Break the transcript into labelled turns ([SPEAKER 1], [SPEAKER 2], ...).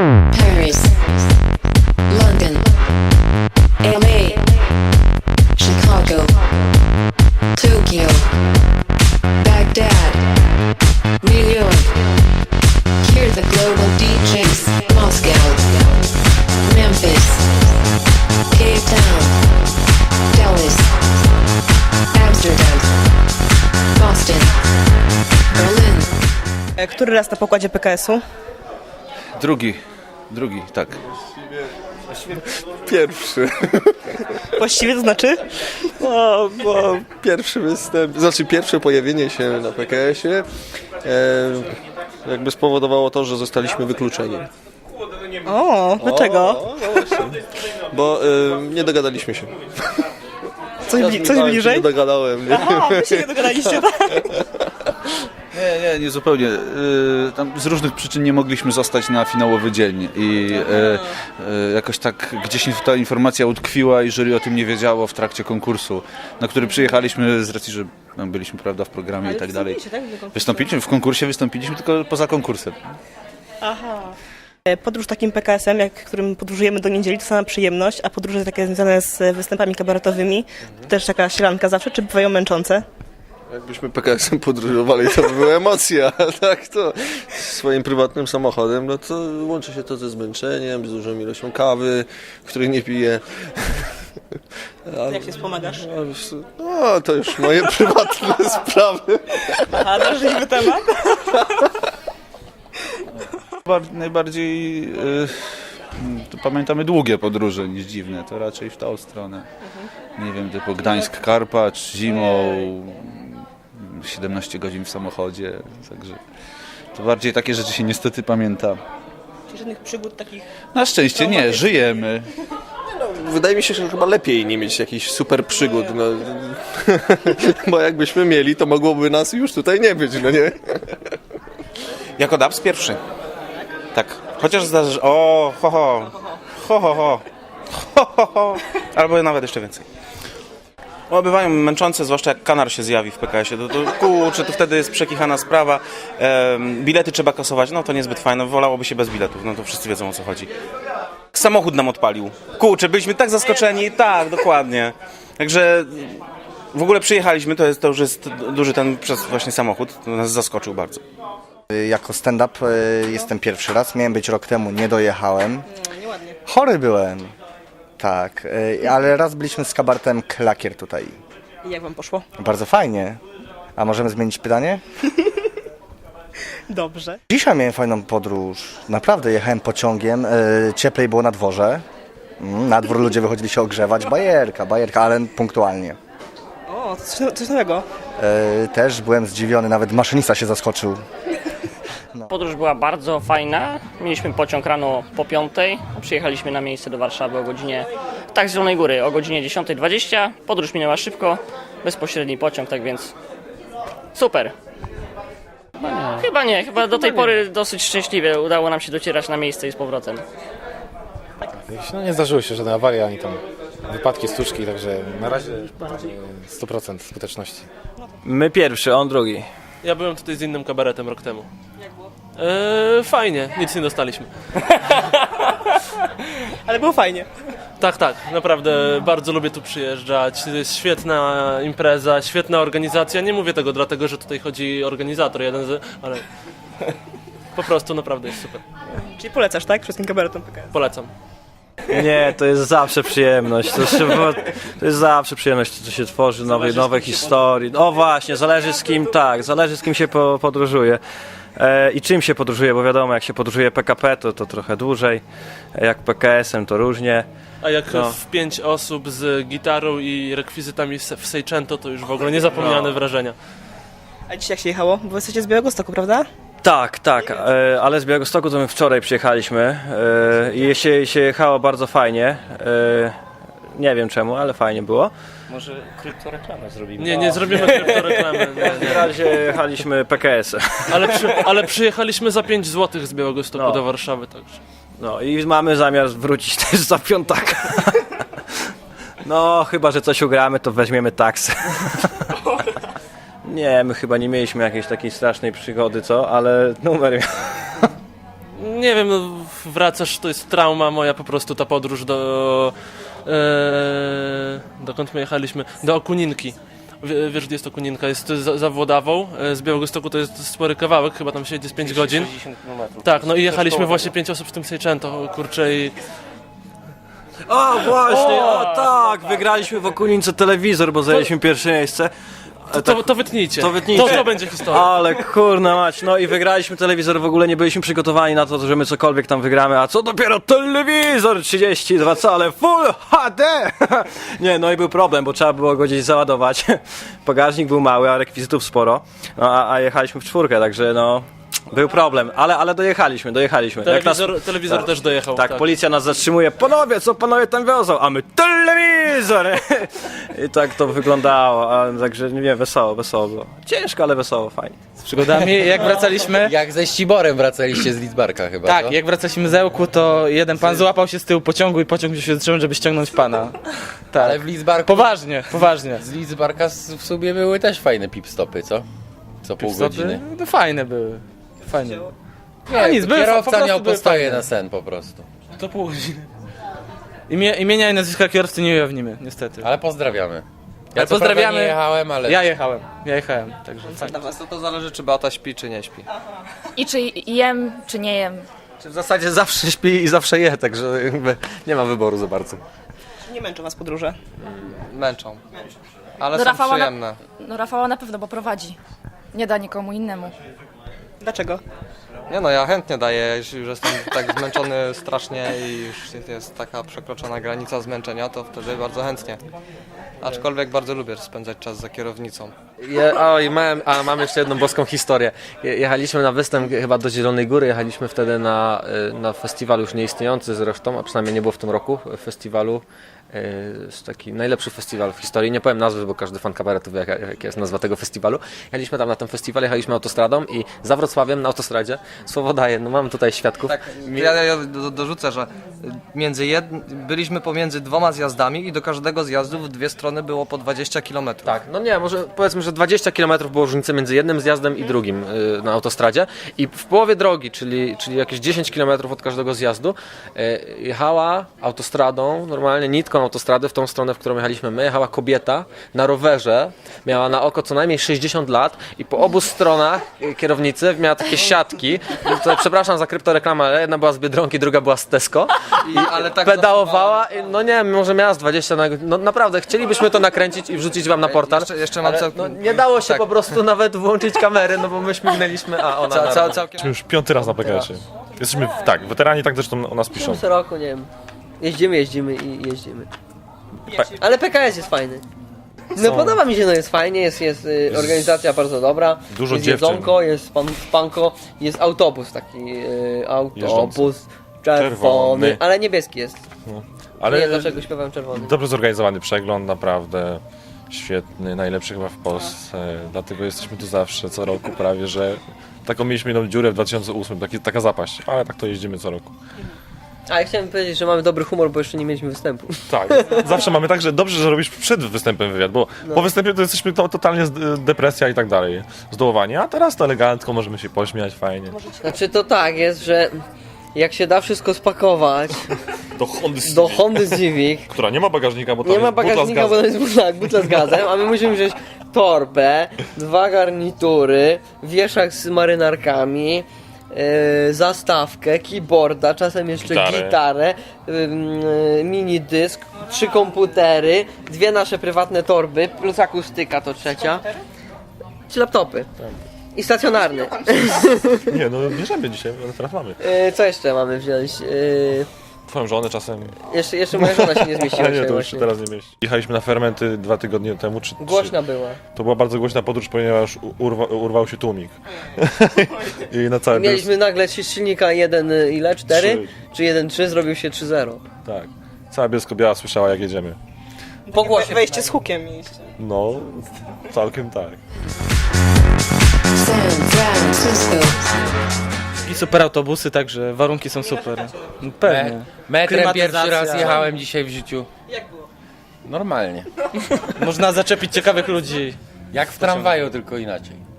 [SPEAKER 1] Paris, London, LA, Chicago, Tokyo, Baghdad, New York. Hear the global DJs. Moscow, Memphis, Cape Town, Dallas, Amsterdam, Boston, Berlin.
[SPEAKER 2] Który raz na pokładzie PKS-u?
[SPEAKER 3] Drugi, tak.
[SPEAKER 4] Pierwszy.
[SPEAKER 2] Właściwie to znaczy?
[SPEAKER 4] No, bo pierwszy występ, znaczy pierwsze pojawienie się na PKS-ie jakby spowodowało to, że zostaliśmy wykluczeni.
[SPEAKER 2] O, dlaczego?
[SPEAKER 4] No właśnie. Bo nie dogadaliśmy się.
[SPEAKER 2] Coś bliżej?
[SPEAKER 4] Nie dogadałem, nie?
[SPEAKER 2] Aha, wy się nie dogadaliście, tak?
[SPEAKER 3] Nie zupełnie. Tam z różnych przyczyn nie mogliśmy zostać na finałowy dzień i jakoś tak gdzieś ta informacja utkwiła i jury o tym nie wiedziało w trakcie konkursu, na który przyjechaliśmy z racji, że byliśmy, prawda, w programie i tak dalej. Wystąpiliśmy w konkursie, tylko poza konkursem.
[SPEAKER 2] Aha. Podróż takim PKS-em, którym podróżujemy do niedzieli, to sama przyjemność, a podróże takie związane z występami kabaretowymi, to też taka sielanka zawsze, czy bywają męczące?
[SPEAKER 4] Jakbyśmy PKS-em podróżowali, to by były emocje, a tak to swoim prywatnym samochodem, no to łączy się to ze zmęczeniem, z dużą ilością kawy, której nie piję.
[SPEAKER 2] Jak się wspomagasz?
[SPEAKER 4] No, to już moje prywatne sprawy.
[SPEAKER 2] Aha, drażliwy temat.
[SPEAKER 3] Najbardziej to pamiętamy długie podróże niż dziwne, to raczej w tą stronę. Nie wiem, typu Gdańsk-Karpacz, zimą, 17 godzin w samochodzie, także to bardziej takie rzeczy się niestety pamięta.
[SPEAKER 2] Czy żadnych przygód takich?
[SPEAKER 3] Na szczęście nie, żyjemy.
[SPEAKER 4] Wydaje mi się, że chyba lepiej nie mieć jakichś super przygód, no. Bo jakbyśmy mieli, to mogłoby nas już tutaj nie być, no nie?
[SPEAKER 5] Jako DAPS pierwszy. Tak. Chociaż zdarzy... O, ho, ho. Ho, ho, ho. Ho, ho, ho. Albo nawet jeszcze więcej. No, bywają męczące, zwłaszcza jak kanar się zjawi w PKS-ie. To wtedy jest przekichana sprawa. Bilety trzeba kasować. No to niezbyt fajne. Wolałoby się bez biletów. No to wszyscy wiedzą, o co chodzi. Samochód nam odpalił. Kurczę, byliśmy tak zaskoczeni. Tak, dokładnie. Także w ogóle przyjechaliśmy. To już jest duży ten przez właśnie samochód. To nas zaskoczył bardzo.
[SPEAKER 6] Jako stand-up jestem pierwszy raz. Miałem być rok temu, nie dojechałem.
[SPEAKER 2] Nieładnie.
[SPEAKER 6] Chory byłem. Tak, ale raz byliśmy z kabaretem Klakier tutaj.
[SPEAKER 2] I jak wam poszło?
[SPEAKER 6] Bardzo fajnie. A możemy zmienić pytanie?
[SPEAKER 2] Dobrze.
[SPEAKER 6] Dzisiaj miałem fajną podróż. Naprawdę jechałem pociągiem. Cieplej było na dworze. Na dwór ludzie wychodzili się ogrzewać. Bajerka, ale punktualnie.
[SPEAKER 2] O, coś nowego.
[SPEAKER 6] Też byłem zdziwiony, nawet maszynista się zaskoczył.
[SPEAKER 7] Podróż była bardzo fajna. Mieliśmy pociąg rano po 5:00. Przyjechaliśmy na miejsce do Warszawy o godzinie, tak, z Zielonej Góry, o godzinie 10:20. Podróż minęła szybko, bezpośredni pociąg, tak więc super. Chyba do tej pory dosyć szczęśliwie udało nam się docierać na miejsce i z powrotem.
[SPEAKER 8] No, nie zdarzyły się żadne awarie, ani tam wypadki, stłuczki, także na razie 100% skuteczności.
[SPEAKER 9] My pierwszy, on drugi.
[SPEAKER 10] Ja byłem tutaj z innym kabaretem rok temu. Jak było? Fajnie, nic nie dostaliśmy.
[SPEAKER 2] Ale było fajnie.
[SPEAKER 10] Tak, naprawdę bardzo lubię tu przyjeżdżać. To jest świetna impreza, świetna organizacja. Nie mówię tego dlatego, że tutaj chodzi organizator ale po prostu naprawdę jest super.
[SPEAKER 2] Czyli polecasz, tak? Wszystkim kabaretom PKS.
[SPEAKER 10] Polecam.
[SPEAKER 9] Nie, to jest zawsze przyjemność. To jest zawsze przyjemność, co się tworzy, nowe historii. O właśnie, zależy z kim się podróżuje. I czym się podróżuje, bo wiadomo, jak się podróżuje PKP, to trochę dłużej, jak PKS-em to różnie.
[SPEAKER 10] A jak w 5 osób z gitarą i rekwizytami w Seicento, to już w ogóle niezapomniane wrażenia.
[SPEAKER 2] A dzisiaj jak się jechało? Bo jesteście z Białegostoku, prawda?
[SPEAKER 9] Tak, ale z Białegostoku to my wczoraj przyjechaliśmy i się jechało bardzo fajnie. Nie wiem czemu, ale fajnie było.
[SPEAKER 7] Może kryptoreklamę zrobimy?
[SPEAKER 10] Nie zrobimy kryptoreklamy.
[SPEAKER 9] W razie jechaliśmy PKS.
[SPEAKER 10] Ale przyjechaliśmy za 5 zł z Białegostoku do Warszawy, także.
[SPEAKER 9] No i mamy zamiar wrócić też za piątaka. No, chyba że coś ugramy, to weźmiemy taksę. Nie, my chyba nie mieliśmy jakiejś takiej strasznej przygody, co? Ale numer...
[SPEAKER 10] Nie wiem, no wracasz, to jest trauma moja po prostu ta podróż dokąd my jechaliśmy? Do Okuninki. Wiesz, gdzie jest Okuninka? Jest za Włodawą, z Białegostoku to jest spory kawałek, chyba tam się jedzie z 5 godzin.
[SPEAKER 5] 60 km.
[SPEAKER 10] Tak, no i jechaliśmy właśnie 5 osób w tym Seicento, kurczę, i
[SPEAKER 9] O, właśnie, tak, wygraliśmy w Okunince telewizor, bo zajęliśmy pierwsze miejsce.
[SPEAKER 10] to wytnijcie.
[SPEAKER 9] To wytnijcie.
[SPEAKER 10] To będzie historia.
[SPEAKER 9] Ale kurna mać, no i wygraliśmy telewizor, w ogóle nie byliśmy przygotowani na to, że my cokolwiek tam wygramy, a co dopiero telewizor 32 cale Full HD! Nie, no i był problem, bo trzeba było go gdzieś załadować. Bagażnik był mały, a rekwizytów sporo, no, a jechaliśmy w czwórkę, także no... Był problem, ale dojechaliśmy.
[SPEAKER 10] Telewizor też dojechał.
[SPEAKER 9] Tak, policja nas zatrzymuje. Panowie, co panowie tam wiozą? A my telewizor! I tak to wyglądało, a także nie, wesoło było. Ciężko, ale wesoło, fajnie.
[SPEAKER 11] Z przygodami, jak wracaliśmy...
[SPEAKER 12] Jak ze Ściborem wracaliście z Lidzbarka chyba,
[SPEAKER 11] Tak,
[SPEAKER 12] co?
[SPEAKER 11] jak wracaliśmy z Ełku, to jeden pan złapał się z tyłu pociągu i pociąg się zatrzymał, żeby ściągnąć pana. Tak.
[SPEAKER 12] Ale w Lidzbarku...
[SPEAKER 11] Poważnie.
[SPEAKER 12] Z Lidzbarka w sumie były też fajne pit-stopy, co? Co pół godziny.
[SPEAKER 11] No fajne były. Fajnie.
[SPEAKER 12] Nie,
[SPEAKER 11] nic, były, po
[SPEAKER 12] kierowca
[SPEAKER 11] prostu
[SPEAKER 12] miał
[SPEAKER 11] były
[SPEAKER 12] postoje
[SPEAKER 11] fajne.
[SPEAKER 12] na sen po prostu.
[SPEAKER 11] To pół godziny. Imienia i nazwiska kierowcy nie ujawnimy, niestety.
[SPEAKER 12] Ale pozdrawiamy. Ja
[SPEAKER 11] Ale
[SPEAKER 12] co prawda
[SPEAKER 11] pozdrawiamy.
[SPEAKER 12] nie jechałem, ale...
[SPEAKER 11] Ja jechałem, także fajnie.
[SPEAKER 13] Dla was to zależy, czy Beata śpi, czy nie śpi.
[SPEAKER 14] I czy jem, czy nie jem.
[SPEAKER 5] W zasadzie zawsze śpi i zawsze je, także jakby nie ma wyboru za bardzo.
[SPEAKER 2] Nie męczą was podróże?
[SPEAKER 13] Męczą. Ale
[SPEAKER 14] Do
[SPEAKER 13] są
[SPEAKER 14] Rafała
[SPEAKER 13] przyjemne.
[SPEAKER 14] No Rafała na pewno, bo prowadzi. Nie da nikomu innemu.
[SPEAKER 2] Dlaczego?
[SPEAKER 13] Nie no, ja chętnie daję, jeśli już jestem tak zmęczony strasznie i już jest taka przekroczona granica zmęczenia, to wtedy bardzo chętnie. Aczkolwiek bardzo lubię spędzać czas za kierownicą.
[SPEAKER 5] Mam jeszcze jedną boską historię. Jechaliśmy na występ chyba do Zielonej Góry, jechaliśmy wtedy na festiwal już nieistniejący zresztą, a przynajmniej nie było w tym roku festiwalu. Jest taki najlepszy festiwal w historii. Nie powiem nazwy, bo każdy fan kabaretu wie, jaka jest nazwa tego festiwalu. Jechaliśmy tam na ten festiwal, jechaliśmy autostradą i za Wrocławiem na autostradzie, słowo daję, no mam tutaj świadków.
[SPEAKER 13] Tak, ja dorzucę, że byliśmy pomiędzy 2 zjazdami i do każdego zjazdu w 2 strony było po 20 km.
[SPEAKER 5] Tak, no nie, może powiedzmy, że 20 km było różnicy między jednym zjazdem i drugim na autostradzie i w połowie drogi, czyli jakieś 10 km od każdego zjazdu, jechała autostradą, normalnie nitką autostrady w tą stronę, w którą jechaliśmy my, jechała kobieta na rowerze, miała na oko co najmniej 60 lat i po obu stronach kierownicy miała takie siatki, to, przepraszam za kryptoreklamę, ale jedna była z Biedronki, druga była z Tesco
[SPEAKER 13] ale tak
[SPEAKER 5] pedałowała, no nie wiem, może miała z 20 na godzinę, no naprawdę, chcielibyśmy to nakręcić i wrzucić wam na portal,
[SPEAKER 13] jeszcze mam
[SPEAKER 5] ale no, nie dało się po prostu nawet włączyć kamery, no bo my śmignęliśmy, a ona
[SPEAKER 15] Jesteśmy już 5. raz na PKS-ie. Jesteśmy, tak, weterani tak zresztą o nas piszą.
[SPEAKER 16] Co roku, nie wiem. Jeździmy. Ale PKS jest fajny. No podoba mi się, no jest fajnie, jest organizacja bardzo dobra.
[SPEAKER 15] Dużo
[SPEAKER 16] jest
[SPEAKER 15] dziewczyn.
[SPEAKER 16] jedzonko, jest spanko, jest autobus taki, autobus czerwony, ale niebieski jest.
[SPEAKER 15] No.
[SPEAKER 16] Ale nie wiem dlaczego śpiewam czerwony.
[SPEAKER 15] Dobrze zorganizowany przegląd, naprawdę świetny, najlepszy chyba w Polsce, dlatego jesteśmy tu zawsze, co roku prawie, że taką mieliśmy jedną dziurę w 2008, taka zapaść, ale tak to jeździmy co roku.
[SPEAKER 16] A ja chciałem powiedzieć, że mamy dobry humor, bo jeszcze nie mieliśmy występu.
[SPEAKER 15] Tak, zawsze mamy tak, że dobrze, że robisz przed występem wywiad, bo po występie to jesteśmy totalnie depresja i tak dalej, zdołowanie, a teraz to elegancko, możemy się pośmiać, fajnie.
[SPEAKER 16] Znaczy to tak jest, że jak się da wszystko spakować do Hondy Civic,
[SPEAKER 15] która nie ma bagażnika, bo to
[SPEAKER 16] nie
[SPEAKER 15] jest
[SPEAKER 16] ma bagażnika, bo to jest butla z gazem, a my musimy wziąć torbę, 2 garnitury, wieszak z marynarkami, zastawkę, keyboarda, czasem jeszcze gitarę, mini dysk, 3 komputery, 2 nasze prywatne torby, plus akustyka to 3. 3 laptopy. I stacjonarny.
[SPEAKER 15] Nie, no bierzemy dzisiaj, ale teraz mamy.
[SPEAKER 16] Co jeszcze mamy wziąć?
[SPEAKER 15] Twoją żonę czasem.
[SPEAKER 16] Jeszcze moja żona się nie zmieściła.
[SPEAKER 15] Nie, to już się teraz nie mieści. Jechaliśmy na Fermenty 2 tygodnie temu.
[SPEAKER 16] Głośna była.
[SPEAKER 15] To była bardzo głośna podróż, ponieważ urwał się tłumik. I na całe
[SPEAKER 16] mieliśmy nagle silnika 1,4 czy 1,3 zrobił się 3,0.
[SPEAKER 15] Tak. Cała Bielsko-Biała słyszała, jak jedziemy.
[SPEAKER 2] Po głosie wejście z hukiem mieliście.
[SPEAKER 15] No, całkiem tak.
[SPEAKER 1] San Francisco.
[SPEAKER 11] I super autobusy, także warunki są super. Pewnie.
[SPEAKER 12] Metrem pierwszy raz jechałem dzisiaj w życiu. Jak było? Normalnie.
[SPEAKER 11] Można zaczepić ciekawych ludzi.
[SPEAKER 12] Jak w tramwaju, tylko inaczej.